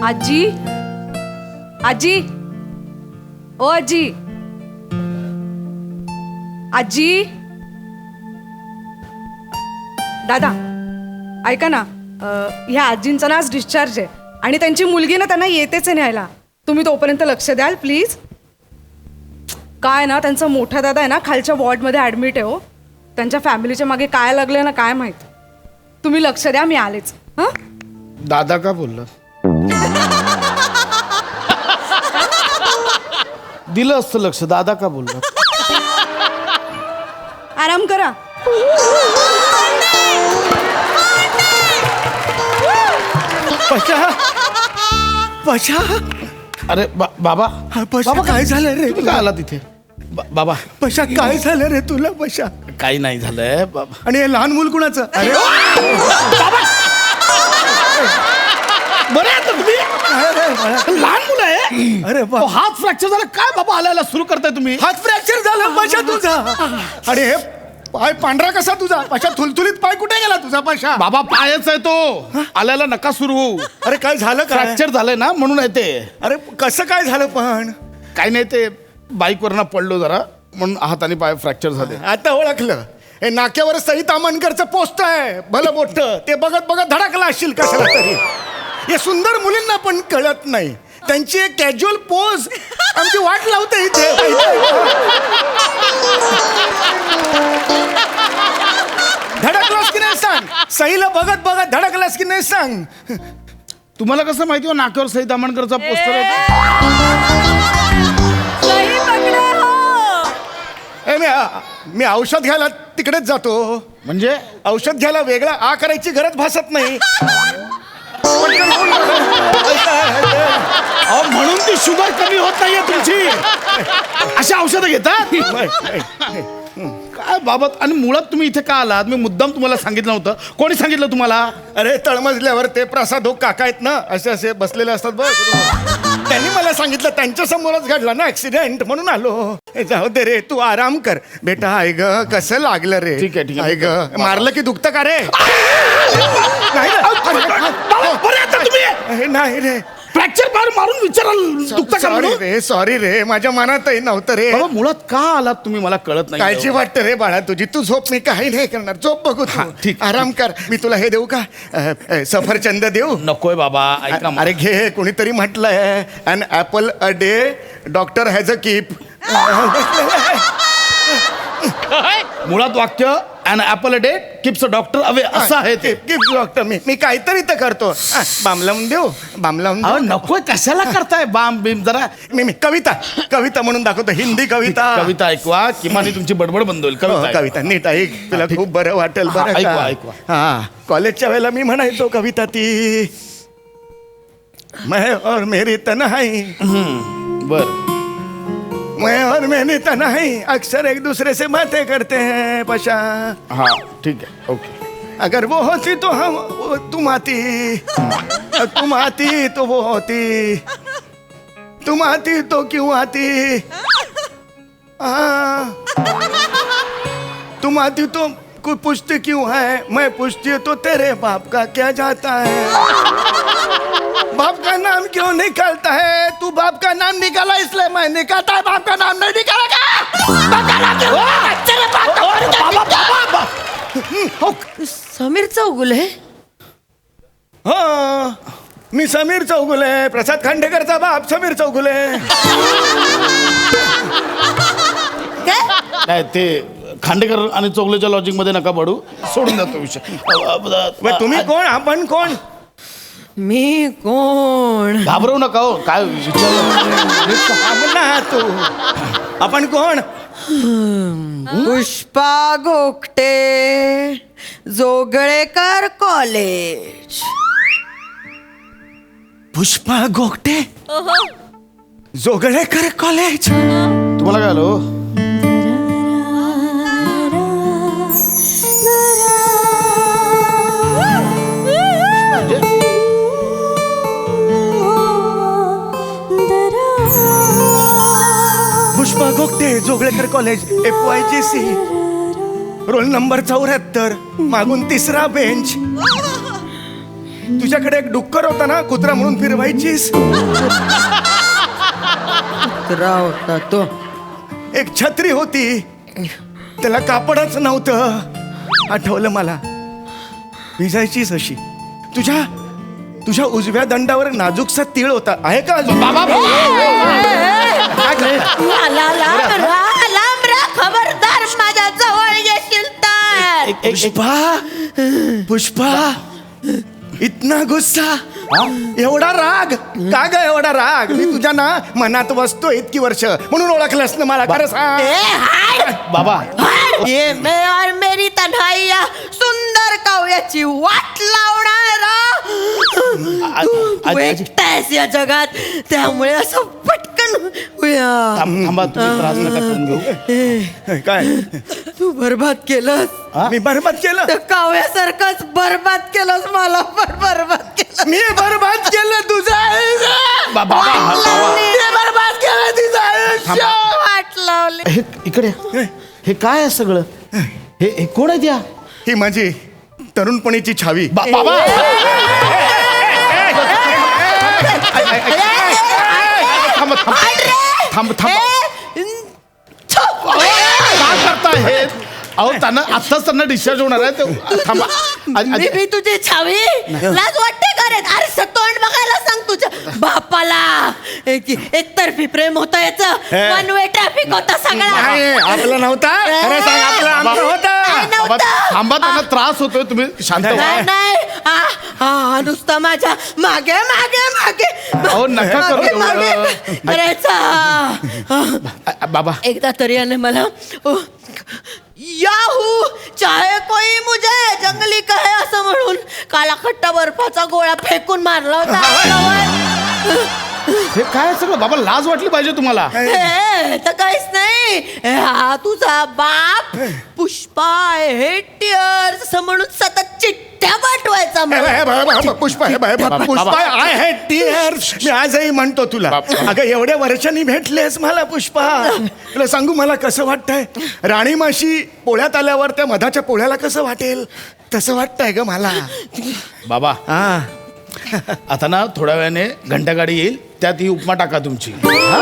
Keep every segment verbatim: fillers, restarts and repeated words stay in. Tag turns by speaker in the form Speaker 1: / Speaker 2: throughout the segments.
Speaker 1: आजी आजी ओ आजी आजी दादा ऐका ना, ह्या आजींचा ना आज डिस्चार्ज आहे आणि त्यांची मुलगी ना त्यांना येतेच आहे न्यायला. तुम्ही तोपर्यंत लक्ष द्याल प्लीज. काय ना त्यांचा मोठा दादा आहे ना खालच्या वॉर्डमध्ये ॲडमिट आहे. हो त्यांच्या फॅमिलीच्या मागे काय लागलं ना काय माहीत. तुम्ही लक्ष द्या, मी आलेच. हां
Speaker 2: दादा का बोलला? दिलं असतं लक्ष. दादा का बोलला?
Speaker 1: आराम करा.
Speaker 3: पशा पशा
Speaker 2: अरे बा, बाबा
Speaker 3: पशा
Speaker 2: बाबा
Speaker 3: काय झालं रे?
Speaker 2: तुम्ही काय आला तिथे? बा, बाबा
Speaker 3: पशा काय झालं रे तुला पशा?
Speaker 2: काही नाही झालंय बाबा.
Speaker 3: आणि हे लहान मूल कुणाचं? अरे
Speaker 2: बरे आता तुम्ही? लहान मुलं आहे.
Speaker 3: अरे बा-
Speaker 2: तो हात फ्रॅक्चर झाला काय बाबा? आल्याला सुरू करताय तुम्ही?
Speaker 3: हात फ्रॅक्चर झाला पशा तुझा. आणि हे पाय पांढरा कसा तुझा? पशा थुलथुलीत पाय कुठे गेला तुझा पशा?
Speaker 2: बाबा पायच आहे तो. आल्याला नका सुरू होऊ.
Speaker 3: अरे काय झालं काय?
Speaker 2: फ्रॅक्चर झालंय ना म्हणून आहे ते.
Speaker 3: अरे कसं काय झालं पण?
Speaker 2: काही नाही ते बाईकवरनं पडलो जरा म्हणून हात आणि पाय फ्रॅक्चर झाले.
Speaker 3: आता ओळखलं. हे नाक्यावर सई तामणकरचं पोस्ट आहे भलं मोठं. ते बघत बघत धडकला असशील कशाला तरी. हे सुंदर मुलींना पण कळत नाही. त्यांची एक कॅज्युअल पोज आमची वाट लावते इथे. धडकलास की नाही सांग. सईला बघत बघत धडकलास की नाही सांग.
Speaker 2: तुम्हाला कसं माहिती हो नाक्यावर सई तामणकरचा पोस्टर आहे?
Speaker 3: ए, मी मी औषध घ्यायला तिकडेच जातो.
Speaker 2: म्हणजे
Speaker 3: औषध घ्यायला वेगळा आ करायची गरज भासत नाही.
Speaker 2: अहो म्हणून ती शुगर कमी होत नाहीये तुमची. अशी औषधं घेतात काय बाबत? आणि मुळात तुम्ही इथे का आलात? मी मुद्दाम तुम्हाला सांगितलं नव्हतं. कोणी सांगितलं तुम्हाला?
Speaker 3: अरे तळमजल्यावर ते प्रसाद हो काका आहेत ना, असे असे बसलेले असतात बघ. त्यांनी मला सांगितलं. त्यांच्या समोरच घडला ना ऍक्सिडेंट म्हणून आलो. ए, जाऊ दे रे, तू आराम कर बेटा. आई ग कसं लागलं रे?
Speaker 2: ठीक आहे, ठीक आहे.
Speaker 3: आई ग मारलं की दुखतं का रे? नाही रे.
Speaker 2: बरे आता तुम्ही?
Speaker 3: ए, नाही रे.
Speaker 2: फ्रॅक्चर मार मारून विचाराल दुखतं का
Speaker 3: सॉरी
Speaker 2: म्हणून?
Speaker 3: रे, सॉरी रे, माझ्या मनातही नव्हतं रे.
Speaker 2: बाबा मुळात का आलात तुम्ही मला कळत नाही.
Speaker 3: काळजी वाटतं रे बाळा तुझी. तू झोप, मी काही नाही करणार. झोप बघू तू.
Speaker 2: हा, ठीक.
Speaker 3: आराम कर. मी तुला हे देऊ का? अ, अ, सफरचंद देऊ?
Speaker 2: नकोय बाबा ऐका.
Speaker 3: अरे घे. कोणीतरी म्हटलंय an apple a day doctor has a keep.
Speaker 2: मुळात वाक्य an apple a day keeps a doctor away असं आहे ते.
Speaker 3: Keep doctor. मी मी काहीतरी तर करतो. हा, बाम लावून देऊ. बाम लावून
Speaker 2: अहो
Speaker 3: देऊ.
Speaker 2: नकोय कशाला करताय बाम बिम? जरा
Speaker 3: मी मी कविता कविता म्हणून दाखवतो. हिंदी कविता.
Speaker 2: कविता ऐकवा किमान तुमची बडबड बंद होईल.
Speaker 3: हो,
Speaker 2: कविता
Speaker 3: कविता नीट ऐक. तुला खूप बरं वाटेल.
Speaker 2: हा,
Speaker 3: बरं
Speaker 2: ऐकवा,
Speaker 3: का?
Speaker 2: ऐकवा.
Speaker 3: हा कॉलेजच्या वेळेला मी म्हणायचो कविता ती. मैं और मेरी तन्हाई,
Speaker 2: बर.
Speaker 3: मैं और मेरी तन्हाई अक्सर एक दूसरे से बातें करते हैं पशा.
Speaker 2: हा ठीक आहे ओके.
Speaker 3: अगर वो होती तो हम वो तुम आती. तुम आती तो वो होती. तुम आती तो क्यों आती. हाँ. तुम आती तो कोई पूछती क्यों है. मैं पूछती तो तेरे बाप का क्या जाता है. बाप का नाम क्यों निकालता है. तू बाप का नाम निकाला इसलिए मैं निकालता है. बाप का नाम नहीं निकालेगा. बाप का नाम क्यों? तेरे बाप का बाबा बाबा.
Speaker 4: समीर चौगुले.
Speaker 3: हा मी समीर चौगुले. प्रसाद खांडेकरचा बाप समीर चौगुले.
Speaker 2: नाही ते खांडेकर आणि चौगलेच्या लॉजिक मध्ये नका पडू. सोडून जातो विषय.
Speaker 3: मग तुम्ही कोण? आपण कोण?
Speaker 4: मी कोण?
Speaker 2: घाबरवू नका हो. काय विचार
Speaker 3: ना तू. आपण कोण?
Speaker 4: पुष्पा घोकटे, जोगळेकर कॉलेज.
Speaker 3: पुष्पा घोकटे, जोगळेकर कॉलेज.
Speaker 2: तुम्हाला काय आलो?
Speaker 3: Pushpa Ghokte, Joglekar college, F Y G C, roll number चौऱ्याहत्तर, मागून तिसरा बेंच. तुझ्याकडे एक डुक्कर होता ना कुत्रा म्हणून फिरवायचीस.
Speaker 4: कुत्रा होता तो.
Speaker 3: एक छत्री होती त्याला कापडच नव्हतं. आठवलं मला. भिजायचीच अशी. तुझ्या तुझ्या उजव्या दंडावर नाजूकसा तीळ होता. आहे का अजून?
Speaker 2: बाबा
Speaker 4: लाला लांब रा, लांब रा, खबरदार माझ्या जवळ येशील तर.
Speaker 3: पुष्पा पुष्पा इतना गुस्सा, एवढा राग का ग? एवढा राग मी तुझ्या ना मनात बसतो इतकी वर्ष म्हणून ओळखलंस ना मला. खरं सांग.
Speaker 4: ए, हाय.
Speaker 2: बाबा
Speaker 4: हाय. ये मैं और मेरी तन्हाई या सुंदर काव्याची वाट लावणारा तू तू एकटायस या जगात, त्यामुळे असं पटकन होऊया.
Speaker 2: थांब- थांबा तुम्ही त्रास नका करून घेऊ.
Speaker 3: काय
Speaker 4: तू बरबाद केलंस.
Speaker 3: मी बरबाद केलं?
Speaker 4: तर काव्यासारखंच बरबाद केलंस मला पण बरबाद केलं.
Speaker 3: मी बरबाद केलं तुझं आयुष्य.
Speaker 2: बा- बाबा हा- बाबा
Speaker 3: मी बरबाद केलं तुझं आयुष्य.
Speaker 4: वाट लावली.
Speaker 2: हे इकडे या. हे काय आहे सगळं? हे हे कोण आहे त्या?
Speaker 3: ही माझी तरुणपणीची छावी.
Speaker 2: बा- बाबा थांब थांब थांब थांब काय करताय हे? अहो त्यांना आत्ताच त्यांना डिस्चार्ज होणार आहे ते थांबा. आ-
Speaker 4: मी
Speaker 2: आ-
Speaker 4: मी तुझी छावी लाज वाटते का रे? अरे तोंड बघायला सांग तुझ्या बापाला. एक एकतर्फी प्रेम होतं याचं. वन वे ट्रॅफिक होता सगळा.
Speaker 3: नाही आपला नव्हता. खरं सांग आपला आमचा होता.
Speaker 4: नाही
Speaker 2: बाबा,
Speaker 4: नव्हतं.
Speaker 2: थांबा त्यांना त्रास होतोय तुम्ही शांत व्हा.
Speaker 4: नाही नाही हा हा नुसता माझ्या मागे मागे मागे
Speaker 2: अहो, नका करू
Speaker 4: मागे- मागे
Speaker 2: एवढं.
Speaker 4: करायचा.
Speaker 2: आ- आ- बाबा
Speaker 4: एकदा तरी याने मला ओ, याहू चाहे कोई मुझे जंगली कहे असं म्हणून काला खट्टा बर्फाचा गोळा फेकून मारला होता अंगावर.
Speaker 2: हे काय सगळं? बाबा लाज वाटली पाहिजे तुम्हाला.
Speaker 4: हे तर काहीच नाही. हे हा तुझा बाप पुष्पा हे टिअर्स असं म्हणून सतत चिठ्ठ्या पाठवायचा
Speaker 3: हे
Speaker 4: मला.
Speaker 3: बघ, हे बघ, हे बघ, पुष्पा हे बघ, हे बघ, पुष्पा आय हॅड टीअर्स. मी आजही म्हणतो तुला. अगं एवढ्या वर्षांनी भेटलेस मला पुष्पा. तुला सांगू मला कसं वाटतंय? राणी माशी पोळ्यात आल्यावर त्या मधाच्या पोळ्याला कसं वाटेल तसं वाटतंय ग मला.
Speaker 2: बाबा
Speaker 3: हा
Speaker 2: आता ना थोड्या वेळाने घंटागाडी येईल, त्यात ही उपमा टाका तुमची. हा?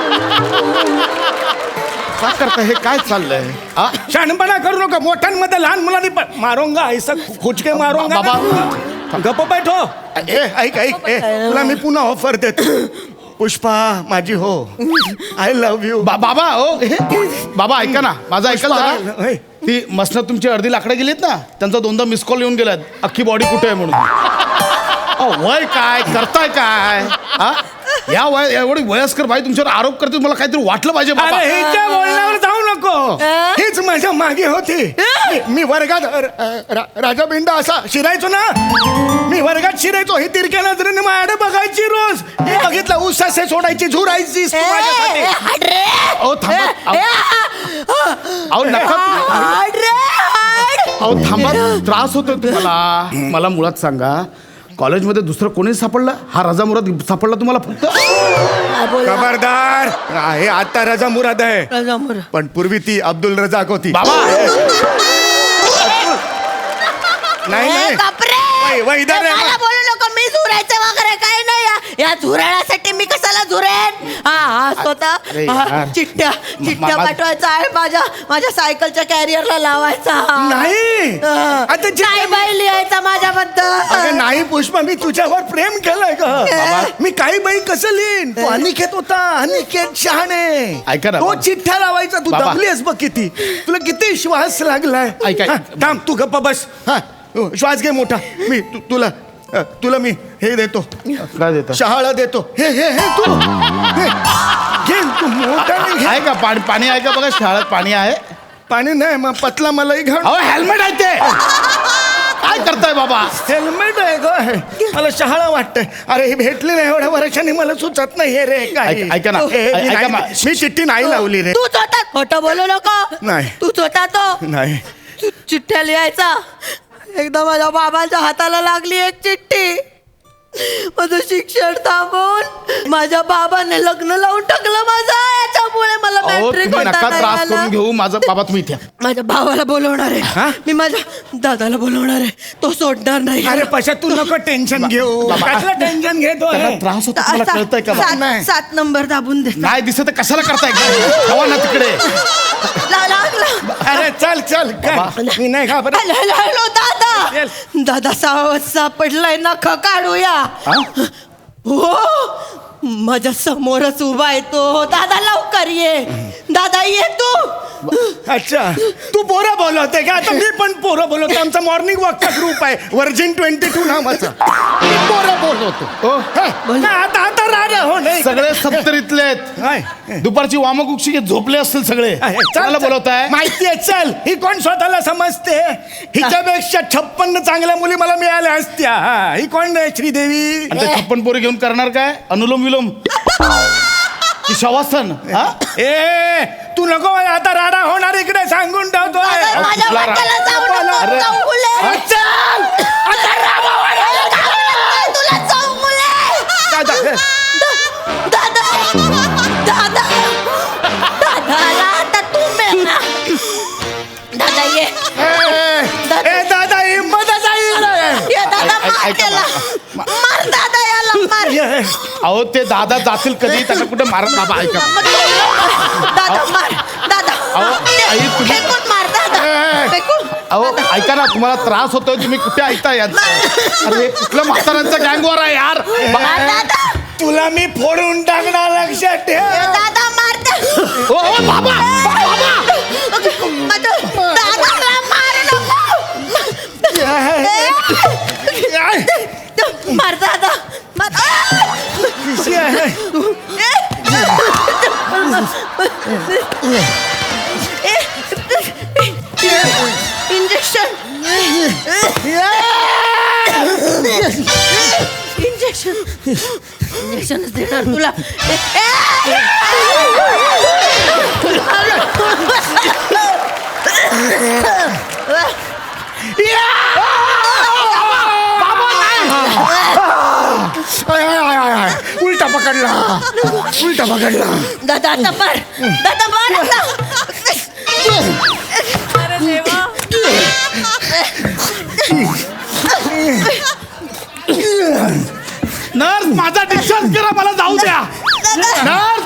Speaker 2: काय करता? हे काय चाललंय? हा?
Speaker 3: शहाणपणा करू नका. मोठ्यांमध्ये लहान मुलांनी पण मारोंगा ऐसा खुचके मारोंगा.
Speaker 2: बाबा.
Speaker 3: गप्प बैठो. ए ऐक ऐक ए तुला मी पुन्हा ऑफर देतो. पुष्पा माझी हो. I love you.
Speaker 2: बा- बाबा हो हे बाबा ऐका ना माझं ऐकाल जरा.
Speaker 3: होय.
Speaker 2: ती मसनं तुमची अर्धी लाकडं गेलीत ना, त्यांचा दोनदा मिस कॉल येऊन गेलात अख्खी बॉडी कुठे आहे म्हणून. अहो, वय काय करताय काय? हा या वय एवढी वयस्कर बाई तुमच्यावर आरोप करते, मला काहीतरी वाटलं पाहिजे बाबा.
Speaker 3: अरे हिच्या बोलण्यावर जाऊ नको.
Speaker 4: अं?
Speaker 3: हीच माझ्या मागे होती. मी- मी वर्गात र- र- राजा बिंडा असा शिरायचो ना. मी वर्गात शिरायचो. ही तिरक्या नजरेने माझ्याकडे बघायची रोज. हे बघितलं उसासे सोडायची झुरायची
Speaker 4: ए, ए, हाड रे.
Speaker 2: अहो थांबा.
Speaker 4: ए, ए, हा.
Speaker 2: अहो नका.
Speaker 4: हाड रे, हाड.
Speaker 2: अहो थांबा, त्रास होतोय तुम्हाला. मला मुळात सांगा, कॉलेजमध्ये दुसरं कोणी सापडलं? हा रजा मुराद सापडला तुम्हाला फक्त?
Speaker 4: हा, बोला.
Speaker 3: खबरदार. हे आता रजा मुराद आहे
Speaker 4: रजा मुराद.
Speaker 3: पण पूर्वी ती अब्दुल रजाक होती.
Speaker 2: बाबा
Speaker 3: नाही
Speaker 4: ए,
Speaker 3: नाही
Speaker 4: बापरे.
Speaker 3: वै- वै, इधर रे.
Speaker 4: मला बोलू नको. मी झुरायचं वगैरे काही नाही. या- या झुरळासाठी मी कशाला झुरेन? हा हा स्वतः
Speaker 2: अरे
Speaker 4: हा,
Speaker 2: यार.
Speaker 4: चिठ्ठ्या चिठ्ठ्या
Speaker 2: मा-
Speaker 4: पाठवायचा आहे माझ्या माझ्या सायकलच्या कॅरियरला लावायचा.
Speaker 3: नाही.
Speaker 4: हा.
Speaker 3: आता चिठ्ठ्या-
Speaker 4: नाही बाई लिहायचा
Speaker 3: अगं
Speaker 4: माझ्याबद्दल.
Speaker 3: नाही पुष्पा मी तुझ्यावर प्रेम केलंय
Speaker 4: बाबा.
Speaker 3: का? मी काही बाई कसं लिहिन? तो अनिकेत होता. अनिकेत शहाणे.
Speaker 2: ऐका ना,
Speaker 3: तो
Speaker 2: बाबा.
Speaker 3: चिठ्ठ्या लावायचा. तू
Speaker 2: बाबा.
Speaker 3: दमलीस बघ किती. तुला किती श्वास लागलाय.
Speaker 2: ऐका.
Speaker 3: हा, थांब तू गप्पा बस. हा श्वास घे मोठा. मी तु- तुला अ, तुला मी हे देतो.
Speaker 2: काय देता?
Speaker 3: शहाळा देतो. हे हे हे तू हे, घे तू मोठा घे.
Speaker 2: आहे का पाणी? पाणी आहे का बघा, शाळेत पाणी आहे.
Speaker 3: पाणी नाही मग पतला मलाई घाल.
Speaker 2: अहो हेल्मेट आहे ते. काय करताय बाबा?
Speaker 3: हेल्मेट आहे ग हे. मला शहाळा वाटतंय. अरे हे भेटले नाही एवढ्या वर्षांनी मला सुचत नाही हे रे काय.
Speaker 2: ऐक- ऐका ना.
Speaker 3: हे, मी
Speaker 2: ऐका
Speaker 3: नाही-
Speaker 2: मा-
Speaker 3: मी चिठ्ठी नाही लावली रे.
Speaker 4: तूच होता. खोटं बोलू नको.
Speaker 3: नाही.
Speaker 4: तूच होता तो.
Speaker 3: नाही
Speaker 4: तू चिठ्ठ्या लिहायचा. एकदा माझ्या बाबाच्या हाताला लागली एक चिठ्ठी. माझं शिक्षण थांबून माझ्या बाबाने लग्न लावून टाकलं माझं याच्यामुळे मला
Speaker 2: अहो
Speaker 4: मॅट्रिक
Speaker 2: तुम्ही
Speaker 4: होता
Speaker 2: नका
Speaker 4: नाही
Speaker 2: त्रास
Speaker 4: आला.
Speaker 2: करून घेऊ माझा बाबा तुम्ही इथे या.
Speaker 4: माझ्या भावाला बोलवणार
Speaker 3: हा?
Speaker 4: आहे मी माझ्या दादाला बोलवणार आहे तो सोडणार नाही
Speaker 3: अरे पशा तू नको टेन्शन घेऊ
Speaker 2: बाबा.
Speaker 3: कसलं टेन्शन घेतो
Speaker 2: त्यांना
Speaker 3: आहे?
Speaker 2: त्रास होतो तुम्हाला
Speaker 4: सा-
Speaker 2: कळतंय का
Speaker 4: सात-
Speaker 3: नाही.
Speaker 4: सात नंबर दाबून दे
Speaker 2: नाही दिसत तर कशाला करताय हवा ना तिकडे
Speaker 4: ला- लागला
Speaker 3: अरे चल चल
Speaker 2: बाबा.
Speaker 3: काय मी नाही घाबरत
Speaker 4: हॅलो हॅलो हॅलो दादा
Speaker 3: Yes.
Speaker 4: दादा सावध सापडलाय नख काढूया
Speaker 2: हा?
Speaker 4: हो माझ्या समोरच उभा आहे तो दादा लवकर ये दादा ये तू
Speaker 3: अच्छा तू पोरं बोलवते का आता मी पण पोरं बोलवतो आमचा मॉर्निंग वॉकचा ग्रुप आहे वर्जिन ट्वेंटी टू नावाचा मी पोरं बोलवतो
Speaker 2: हो
Speaker 3: हा, ना, आता आता राजा हो नाही
Speaker 2: सगळे सप्तरीतले आहेत
Speaker 3: काय?
Speaker 2: दुपारची वामकुक्षी घेत झोपले असतील सगळे
Speaker 3: चल,
Speaker 2: कोणाला
Speaker 3: चल.
Speaker 2: बोलवताय
Speaker 3: माहितीये चल ही कोण स्वतःला समजते हिच्यापेक्षा छप्पन्न चांगल्या मुली मला मिळाल्या असत्या हा, ही कोण आहे श्रीदेवी
Speaker 2: आणि ते छप्पन पोरी घेऊन करणार काय अनुलोम विलोम की शवासन हा
Speaker 3: ए तू नको मला आता राडा होणार इकडे सांगून ठेवतोय
Speaker 4: दादा, माझ्या
Speaker 2: कुठला रा-
Speaker 4: वाट्याला जाऊ नको,
Speaker 2: अरे.
Speaker 4: चौगुले.
Speaker 3: अरे, चल आता रामावर आहे.
Speaker 4: तुला चौगुले.
Speaker 3: दादा, हे.
Speaker 4: दादा दादा दादाला आता तू मिळा दादा ये
Speaker 3: ए, ए, दादा हिंमतच आहे इकडे.
Speaker 4: ये दादा
Speaker 2: ऐक-
Speaker 4: मार
Speaker 2: ऐका
Speaker 4: त्याला मार दादा याला मार
Speaker 3: ये.
Speaker 2: अहो ते दादा जातील कधी त्यांना कुठे मारत बाबा ऐका
Speaker 4: मग तू- दादा मार दादा
Speaker 2: अहो, आई, तुम्ही-
Speaker 4: फेकून मार दादा
Speaker 3: ए.
Speaker 4: फेकून
Speaker 2: अहो ऐका ना तुम्हाला त्रास होतोय तुम्ही कुठे ऐकता यार अरे कुठलं म्हाताऱ्यांचं गँगवर आहे यार
Speaker 4: मार दादा
Speaker 3: तुला मी फोडून टाकणार लक्षात
Speaker 4: ए,
Speaker 3: ठेव
Speaker 4: दादा मार दा-
Speaker 2: ओ, ओ, बाबा
Speaker 4: माझं- दादाला मार नको
Speaker 3: काय?
Speaker 4: मार दादा मार
Speaker 3: पिशी आहे.
Speaker 4: इंजेक्शन इंजेक्शन इंजेक्शनच देणार तुला
Speaker 3: आय, आय, आय, आय, आय. उलटा पकडला उलटा पकडला
Speaker 4: दादा आता मार दादा मार आता.
Speaker 2: नर्स माझा डिस्चार्ज करा मला जाऊ द्या नर्स